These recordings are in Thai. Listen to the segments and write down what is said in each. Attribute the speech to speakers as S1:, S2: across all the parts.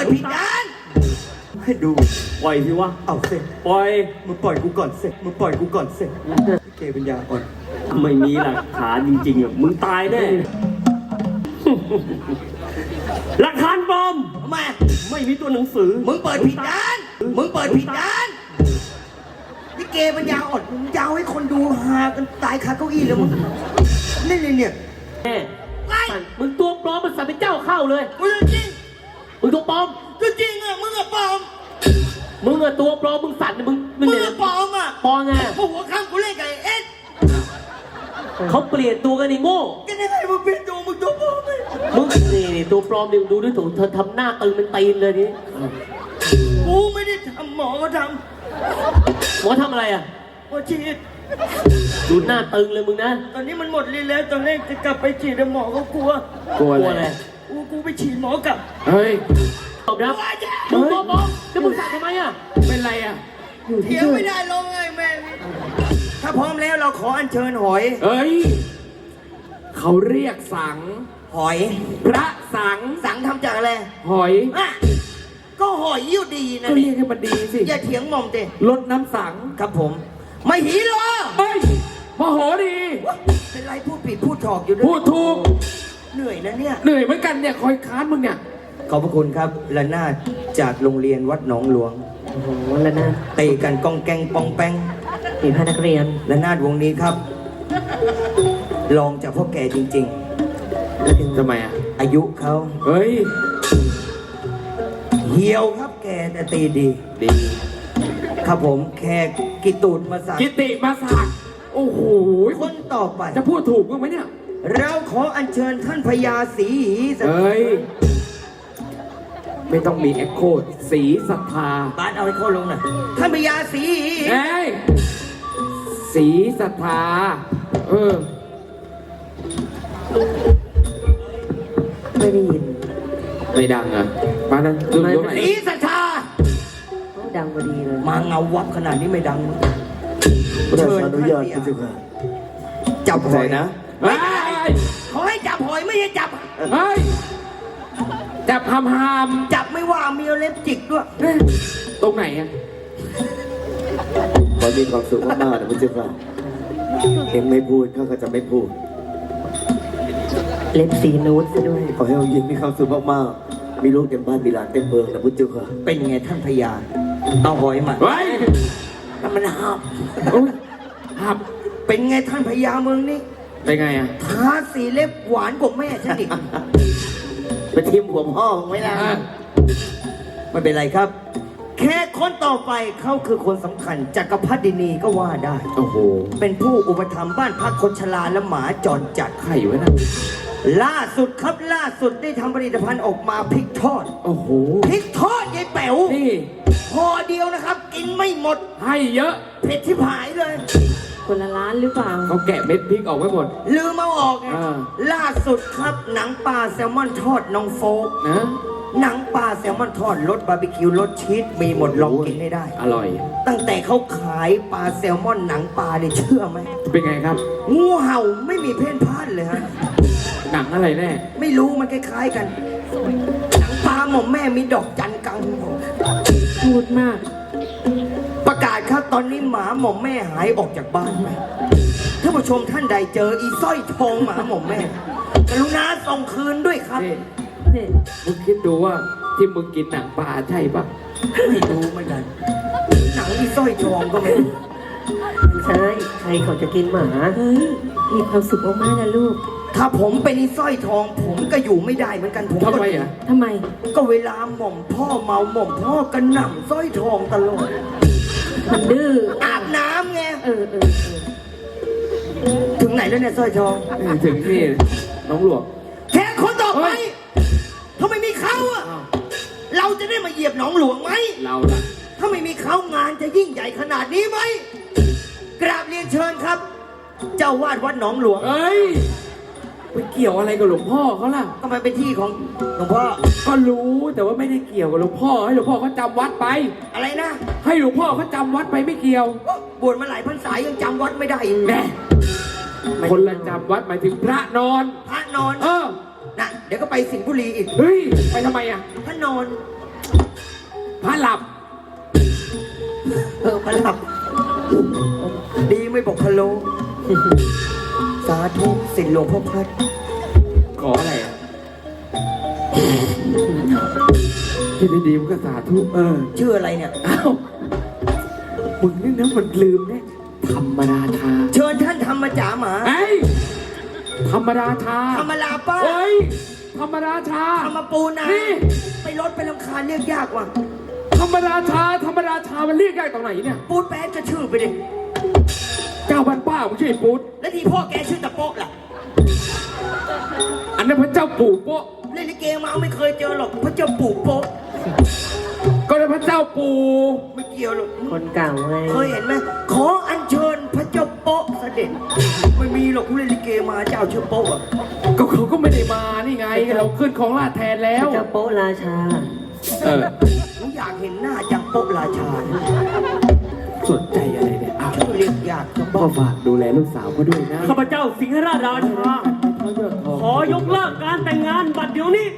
S1: ดผิดด้านให้ดู
S2: ปล่อยสิวะ
S1: เอาเสร็จ
S2: ปล่อย
S1: มึงปล่อยกูก่อนเสร็จมึงปล่อยกูก่อนเสร็จเกปัญญาอ่อน
S2: ไม่มีหลักฐานจริงๆอ่ะมึงตายแน่หลักฐานปลอมไม่มีตัวหนังสือ
S1: มึงเปิดผิดด้านมึงเปิดผิดด้านนี่เกปัญญาอ่อนมึงยาวให้คนดูหากันตายคาเก้าอี้เลยมึงนี่เนี่ย
S2: แม่มึงตัวปลอมมันสั่งเป็นเจ้าเข้าเลย
S1: มึงจริง
S2: มึงตัวปลอม
S1: จริงอ่ะมึงอะปลอม
S2: มึงอะตัวปลอมมึงสั่นมึง
S1: อะปลอมอ่ะ
S2: ปลอมไง
S1: หัวข้างกูเล่นกับเอ็ด
S2: เขาเปลี่ยนตัวกันนี่โง่
S1: กันยังไงมึงเปลี่ยนตัวมึงตัวปลอมเลย
S2: มึงนี่ตัวปลอมดิดูด้วยถูกเธอทำหน้าตึงเป็นตีนเลยนี่
S1: กูไม่ได้ทำหมอเขาท
S2: ำหมอทำอะไรอ่ะ
S1: หมอฉีด
S2: ดูหน้าตึงเลยมึงนะ
S1: ตอนนี้มันหมดฤทธิ์แล้วตอนแรกจะกลับไปฉีดแต่หมอก็กลัว
S2: อะไร
S1: กูไปฉีดหมอกลับ
S2: เฮ้ยตบนะมึงตัวปลอมแล้วมึงสั่งทำไมอ่ะ
S3: เป็นไรอ่ะ
S1: เถียงไม่ได้ลงไงแม่ถ้าพร้อมแล้วเราขออัญเชิญหอย
S3: เฮ้ยเขาเรียกสัง
S1: หอย
S3: พระสัง
S1: ทำจากอะไร
S3: หอย
S1: ก็หอยยิ่งดีนะ
S3: ก็เรียกให้มันดีสิ
S1: อย่าเถียงหม่อมเต้
S3: ลดน้ำสัง
S1: ครับผมไม่หีหรอ
S3: เฮ้ยมโหดี
S1: เป็นไรพูดผิดพูดถอกอยู่ด้วย
S3: พูดถูก
S1: เหนื่อยนะเนี่ย
S3: เหนื่อยเหมือนกันเนี่ยคอยค้านมึงเนี่ย
S1: ขอบพระคุณครับละนาดจากโรงเรียนวัดหนองหลวง
S2: โอ้โหละนาด
S1: เตะกันกองแกงปองแป้ง
S2: มีพนักเรียน
S1: ละนาดวงนี้ครับลองจากพ่อแก่จริง
S3: ๆทำไมอ่ะ
S1: อายุเขา
S3: เฮ้ย
S1: เหี่ยวครับแกแต่ตีดีครับผมแค่กิตูดมาสัก
S3: กิติมาสักโอ้โห
S1: คนต่อไป
S3: จะพูดถูกมั้ยเนี่ย
S1: เราขออัญเชิญท่านพญาศรี
S3: เฮ้ยไม่ต้องมีเอ็กโคศรีศรัทธา
S1: บ้านเอาไอ้โคลงหน่อยท่านพญาศรี
S3: เฮ้ยศรีศรัทธา
S2: ไม่ได้ยิน
S3: ไม่ดังอ่ะบ้านนั้นดูตรงไหน
S1: ศรีศรัทธา
S2: ดังพอดีเลย
S1: มาเงาวับขนาดนี้ไม่ดัง
S4: เชิญอนุญาตคุณเจ้าค่ะ
S1: จับหอย
S4: นะ
S1: ขอให้จับหอยไม่ใช่จับ
S3: เฮ้ยจับหาม
S1: จับไม่ว่ามีเล็บจิกด้วย
S3: ตรงไหนอ่ะ
S4: ขอมีความสุขมากๆนะคุณเจ้าค่ะเองไม่พูดเขาก็จะไม่พูด
S2: เล็บสีนูดซะด้วย
S4: ขอให้องค์หญิงมีความสุขมากๆมีลูกเต็มบ้านมีหลานเต็มเมืองนะคุณเจ้าค่ะ
S1: เป็นไงท่านพญาเอาหอยมา
S3: เฮ้ย
S1: มันหับเป็นไงท่านพญาเมืองนี้
S3: เป็นไงอ่ะ
S1: ทาสีเล็บหวานกว่าแม่ฉันอีก
S4: ไปทิมหัวพ่อไว้แล้ว
S1: ไม่เป็นไรครับแค่คนต่อไปเขาคือคนสำคัญจักรพรรดินีก็ว่าได้
S3: โอ้โห
S1: เป็นผู้อุปถัมภ์บ้านพักคนชราและหมาจรจัด
S3: ไข่ไว้นะ
S1: ล่าสุดได้ทำผลิตภัณฑ์ออกมาพริกทอด
S3: โอ้โห
S1: พริกทอดยายแป๋ว
S3: นี่
S1: พอเดียวนะครับกินไม่หมด
S3: ให้เยอะ
S1: เผ็ดที่ผายเลย
S2: คนละร้านหรือเปล่า
S3: เขาแกะเม็ดพริกออกไว้หมด
S1: ลืมเอาออกล่าสุดครับหนังปลาแซลมอนทอดน้องโฟก
S3: นะ
S1: หนังปลาแซลมอนทอดรสบาร์บีคิวรสชีสมีหมดลองกินให้ได้
S3: อร่อย
S1: ตั้งแต่เขาขายปลาแซลมอนหนังปลาเนี่ยเชื่อไหม
S3: เป็นไงครับ
S1: งูเห่าไม่มีเพ่นพ่านเลยฮะ
S3: หนังอะไรแน่
S1: ไม่รู้มันคล้ายๆกันหนังปลาหม่อมแม่มีดอกจันกลางหัว
S2: พูดมาก
S1: ประกาศครับตอนนี้หมาหม่อมแม่หายออกจากบ้านไหมท่านผู้ชมท่านใดเจออีสร้อยทองหมาหม่อมแม่กรุณาส่งคืนด้วยครับ
S3: มึงคิดดูว่าที่มึงกินหนังปลาใช่ปะ
S1: ไม่รู้เหมือนกันหนังอีสร้อยทองก็ไม่รู้
S2: ใช่ใครเขาจะกินหมาเฮ้ยมีความสุขมากๆนะลูก
S1: ถ้าผมเป็นอีสร้อยทองผมก็อยู่ไม่ได้เหมือนกันผม
S3: ทำไมอ่ะ
S2: ทำไม
S1: ก็เวลาหม่อมพ่อเมาหม่อมพ่อกระหน่ำสร้อยทองตลอด
S2: มันดื้อ
S1: อาบน้ำไงถึงไหนแล้วเนี่ยสร้อยทอง
S3: ถึงนี่น้องหลวง
S1: แค่คนต่อไปถ้าไม่มีเขาอะเราจะได้มาเหยียบหนองหลวงไหม
S3: เราล่ะ
S1: ถ้าไม่มีเขางานจะยิ่งใหญ่ขนาดนี้ไหมกราบเรียนเชิญครับเจ้าวาดวัดหนองหลวง
S3: เอ้ยไปเกี่ยวอะไรกับหลวงพ่อเขาล่ะ
S1: ก็มันเป็นที่ของหลวงพ่อ
S3: ก็รู้แต่ว่าไม่ได้เกี่ยวกับหลวงพ่อให้หลวงพ่อเขาจำวัดไป
S1: อะไรนะ
S3: ให้หลวงพ่อเขาจำวัดไปไม่เกี่ยว
S1: บวชมาหลายพรรษายังจำวัดไม่ได้
S3: แน่คนละจำวัดหมายถึงพระนอน
S1: นะเดี๋ยวก็ไปสิงห์บุรีอีก
S3: เฮ้ยไปทำไมอ่ะ
S1: พระนอน
S3: พระหลับ
S1: พระหลับ ดีไม่บอกพะโลสาธุสินหลวงพ่อพัด
S3: ขออะไรอ่ะที่ดีๆมันก็สาธุ
S1: ชื่ออะไรเนี่ย
S3: อ้าวมึงนี่นะมันลืมเนี่ยธรรมราชา
S1: เชิญท่านธรรมจ๋าหมา
S3: เอ้ยธรรมราชา
S1: ธรรมลาป้า
S3: เฮ้ยธรรมราชา
S1: ธรรมปูนา
S3: นี่
S1: ไปรถไปลำคาญเรียกยากว่ะ
S3: ธรรมราชาธรรมราชามันเรียกยากตรงไหนเนี่ย
S1: ปูดแป๊ดก็ชื่อไปดิ
S3: เจ้าบ้านป้ามึงชื่อไอ้ปุ๊ด
S1: แล้วที่พ่อแกชื่อตะโป๊กล่ะ
S3: อันนั้นพระเจ้าปู่โป๊ะ
S1: เล่นลิเกมาไม่เคยเจอหรอกพระเจ้าปู่โป๊ก
S3: ก็เลยพระเจ้าปู่
S1: ไม่เกี่ยวหรอก
S2: คนเก่าไง
S1: เคยเห็นไหมขออัญเชิญพระเจ้าโป๊ะเสด็จไม่มีหรอกกูเล่นลิเกมาเจ้าชื่อโป๊ะอะ
S3: ก็เขาก็ไม่ได้มานี่ไงเราขึ้นของราชแทนแล้ว
S2: เจ้าโป๊ะราชา
S1: ผมอยากเห็นหน้าจังโป๊ะราชา
S3: สนใจอะไรเนี่ยอ้าว
S1: ชื่อเรียกยากจัง
S3: พ่
S1: โป๊ะ
S3: อฝากดูแลลูกสาวเขาด้วยนะ
S5: ข้าพเจ้าสิงหราชราชา ขอยกเลิกการแต่งงานบัดเดี๋ยวนี้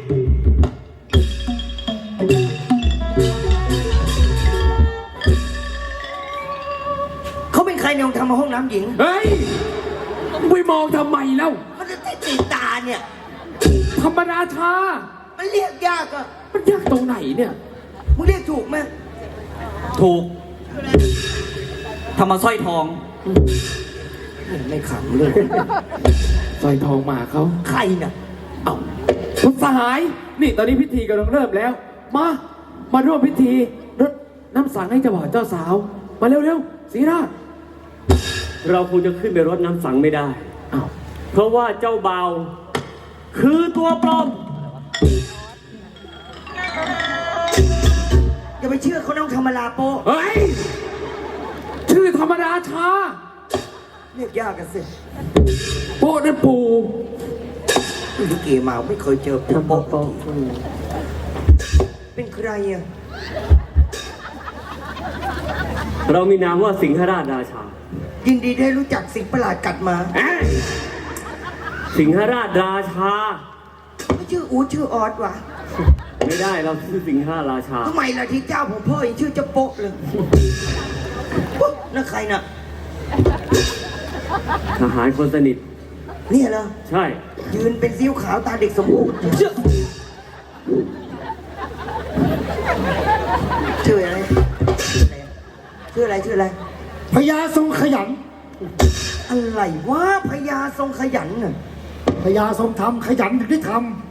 S1: เขาเป็นใครเนี่ยทำมาห้องน้ำหญิง
S3: เฮ้ยไปมองทำไมเล่า
S1: มันจะติดตาเนี่ย
S3: ธรรมราชา
S1: มันเรียกยากอะ
S3: มันยากตรงไหนเนี่ย
S1: มึงเรียกถูกไหม
S5: ถูกทำมาสร้อยทอง
S1: ไม่ขำเลย
S3: สร้อยทองหมาเขา
S1: ใครน่ะ
S3: เอ้าคุณสหาย นี่ตอนนี้พิธีกำลังเริ่มแล้ว มาร่วมพิธีรดน้ำสังให้เจ้าบ่าวเจ้าสาว มาเร็วๆศรีราช
S5: เราคงจะขึ้นไปรดน้ำสังไม่ได้
S3: อ้าว
S5: เพราะว่าเจ้าบ่าว คือตัวปลอม
S1: อย่าไปเชื่อเขาน้องธรรมลาโป๊ะ
S3: เฮ้ย ชื่อธรรมราชา
S1: เรียกยากกันสิ
S3: โป๊ะนั่นปู่
S1: ลิเกมาไม่เคยเจอ
S2: ทำโป๊ะ
S1: โป๊ะ
S2: โป๊ะ
S1: เป็นใครอ่ะ
S5: เรามีนามว่าสิงหราชราชา
S1: ยินดีได้รู้จักสิ่งประหลาดกัดมา
S5: เอ๊ะสิงหราชราชา
S1: ไม่ชื่ออู๊ดชื่อออสวะ
S5: ไม่ได้เราชื่อสิงหราชา
S1: ทำไมล่ะที่เจ้าผมพ่อยังชื่อเจ้าโป๊ะเลยปุ๊บนั่นใครน่ะ
S5: ทหารคนสนิท
S1: เนี่ยเหรอ
S5: ใช่
S1: ยืนเป็นซิ้วขาวตาเด็กสมบูรณ์ชื่ออะไรชื่ออะไรชื่ออะไร
S6: พญาทรงขยัน
S1: อะไรวะพญาทรงขยันน่ะ
S6: พญาทรงทำขยันถึงได้ท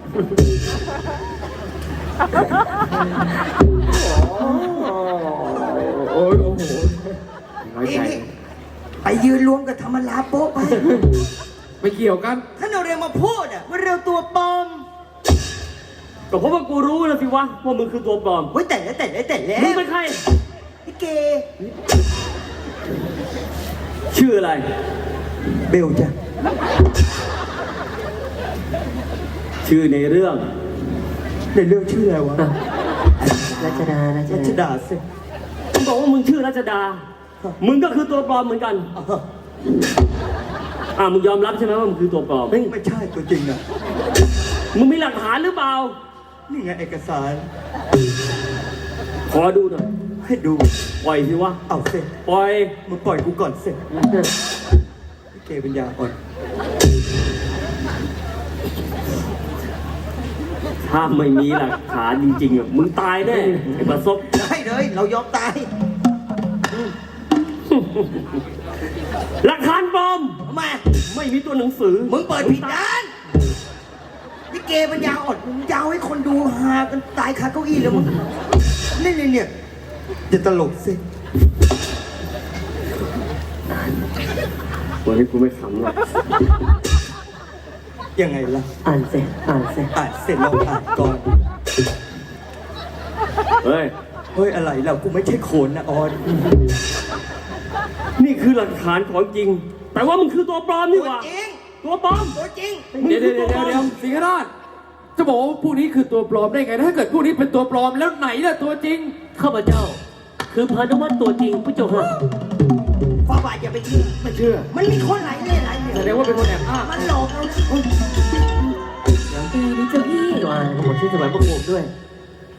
S3: โอ้โหน้อยใจ
S1: นี่ไปยืนรวมกับธรรมลาโป๊ะไป
S3: ไม่เกี่ยวกัน
S1: ถ้าเราเรียนมาพูดอ่ะว่าเราตัวปลอม
S5: ก็เพราะว่ากูรู้นะสิวะว่ามึงคือตัวปลอม
S1: เฮ้ยแต่แล้ว
S5: มึงเป็นใคร
S1: พี่เก
S5: ชื่ออะไร
S1: เบลจ้ะ
S5: ชื่อในเรื่อง
S1: ในเรื่องชื่ออะไรวะ
S2: รัชดา
S1: รัชดาสิ
S5: มึงบอกว่ามึงชื่อรัชดา มึงก็คือตัวปลอมเหมือนกัน มึงยอมรับใช่ไหมว่ามึงคือตัวปลอม
S1: ไม่ใช่ตัวจริงอ่ะ
S5: มึงมีหลักฐานหรือเปล่า
S1: นี่ไงเอกสาร
S5: ขอดูหน่อย
S1: ให้ดู
S5: ปล่อยสิวะ
S1: เอาสิ
S5: ปล่อย
S1: มึงปล่อยกูก่อนสิพี่เกปัญญาอ่อน
S5: ถ้าไม่มีหลักฐานจริงๆอ่ะ มึงตายแน่ไอ้ประสบ
S1: ได้เลยเรายอมตาย
S5: หลักฐานปลอม
S1: ทำไม
S5: ไม่มีตัวหนังสือ
S1: มึงเปิดผิดด้านพี่เกปัญญาอ่อนมึงยาวให้คนดูหากันตายคาเก้าอี้เลยมึงเนี่ยอย่าตลกสิ
S5: วันนี้กูไม่ขำหรอก
S1: ยังไงล่ะ
S2: อ่านเสร็จอ่านเสร็จ
S1: อ่านเสร็จเราอ่านก่อน
S5: เฮ้ย
S1: เฮ้ยอะไรเรากูไม่ใช่โขนนะออน
S5: นี่คือหลักฐานของจริง แต่ว่ามึงคือตัวปลอมนี่หว่า
S1: ตัวจริง
S5: ตัวปลอม
S1: ตัวจริง
S3: เดี๋ยวสิงหราชจะบอกว่าพวกนี้คือตัวปลอมได้ไง ถ้าเกิดพวกนี้เป็นตัวปลอมแล้วไหนล่ะตัวจริง
S5: ข้าพเจ้า คือพานุวัตรตัวจริงพระเจ้าค่ะ
S1: ฟ้าบาทอย่าไปเชื่อ
S3: ไม่เชื่อ
S1: มันมีคนหลายเล่ห์หลายเห
S3: แสด
S1: ลี่
S3: ง
S1: ยม
S3: ว่าเป็นคนแอบอ้าง
S1: มันหลอกเรานะ
S2: นี่เจ้าพี่ว่าผมชื่อสมัยประกบด้วย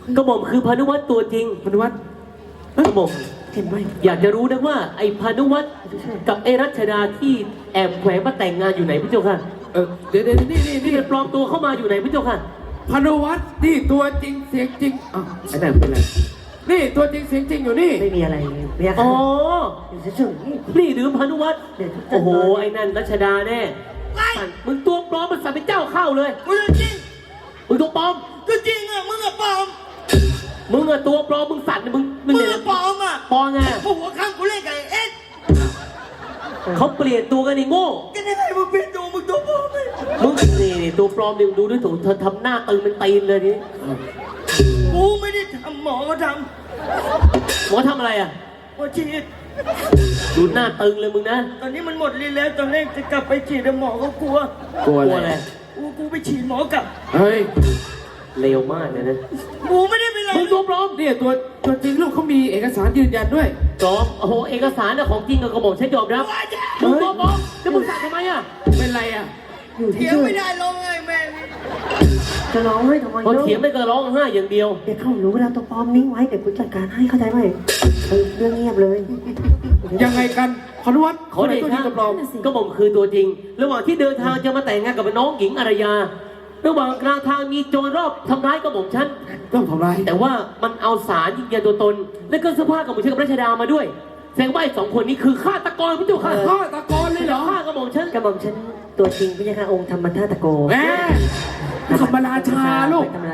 S5: กระหม่อมคือพานุวัตรตัวจริง
S3: พนุวัฒน์
S5: กระหม่อม
S2: เห็นไหม
S5: อยากจะรู้นะว่าไอ้พานุวัตรกับไอ้รัชดาที่แอบแขวงมาแต่งงานอยู่ไหนพี่เจ้าค่ะ
S3: เดี๋ยวนี่
S5: ที่มันปลอมตัวเข้ามาอยู่ไหนพี่เจ้าค่ะ
S3: พนุวัฒน์นี่ตัวจริงเสียงจริงอ้าวไอ้นั่นเป็นไรนี่ตัวจริงเสียงจริงอยู่นี่
S2: ไม่มีอะไรเรียก
S5: อ๋อ
S2: เฉย
S5: นี่หรือพานุวัตร
S2: เดี๋ยว
S5: โอ้โหไอ้นั่นรัชดาแน่สั่นมึงตัวปลอมมันสั่นเป็นเจ้าเข้าเลย
S1: มึงจริง
S5: มึงตัวปลอม
S1: ก็จริงอ่ะมึงอะปลอม
S5: มึงอะตัวปลอมมึงสั่นมึง
S1: มึง
S5: เนี่ย
S1: อะปลอมอ่ะ
S5: ปลอมไง
S1: พวกหัวข้างกูเล่นกับไอ้เอ็ด
S5: เขาเปลี่ยนตัวกันไอ้โง่
S1: ก็ได้ไงมึงเป็นตัวมึงตัวปลอมเลย
S5: มึงนี่ตัวปลอมดิดูด้วยถูกเธอทำหน้าตึงเป็นตีนเลยนี่
S1: กูไม่ได้ทำหมอก็ท
S5: หมอทำอะไรอะ
S1: ำหมอฉีด
S5: ดูหน้าตึงเลยมึงนะ
S1: ตอนนี้มันหมดฤทธิ์แล้วตอนแรกจะกลับไปฉีดแต่หมอก็กลัว
S3: กลัว
S5: กลัว
S3: อะ
S5: อะไร ไร
S1: กูไปฉีดหมอกลับ
S3: เฮ้ย
S5: เลวมากเลยนะ
S1: กูไม่ได้เป็นไร
S5: มึงตัวปลอม
S3: เนี่ยตัวจริงลูกเขามีเอกสารยืนยันด้วย
S5: ปลอมโอ้โหเอกสารน่ะของจริงกับกระหม่อมฉันยอมรับมึงตัวปลอมแล้วมึงสั่นทำไมอะ
S3: เป็นไรอ่ะ
S2: ๆอยู่
S1: เถียง
S2: เฉ
S1: ไม่
S2: ย
S1: ได้ร้องไห้แม่ง
S2: ๆจะร้องให้ทำไม
S5: พอ
S2: เนาะ
S5: เถียงไม่ก็ร้องไห้อย่างเดียว
S2: เดี๋ยวเขารู้เวลาตัวปลอมนิ่งไว้เดี๋ยวกูจัดการให้เข้าใจไหมเรื่องเงียบเลย
S3: ยังไงกันพนุวัฒน์
S5: ขอเด
S3: ตัวจ
S5: ชะ
S3: ริงกับปลอม
S5: ก็หม่อมคือตัวจริง ระหว่างที่เดินทางจะมาแต่งงานกับน้องหญิงอารยา ระหว่างกลางทางมีโจรรอบทำร้ายกระหม่อมฉัน
S3: ต้องทำไร
S5: แต่ว่ามันเอาสารยืนยันตัวตน และก็เสื้อผ้ากับหม่อมฉันกับรัชดามาด้วยแสดงว่าไอ้สองคนนี้คือฆาตกรพี่เจ้าค่ะ
S3: ฆ่าตะกอนเลยเหรอ
S5: ฆ่ากระหม่อมฉัน
S2: กระหม่อมฉันตัวจริงพี่นะคะองค์ธรรมธาตโก
S3: แหมธรรมราชาลูก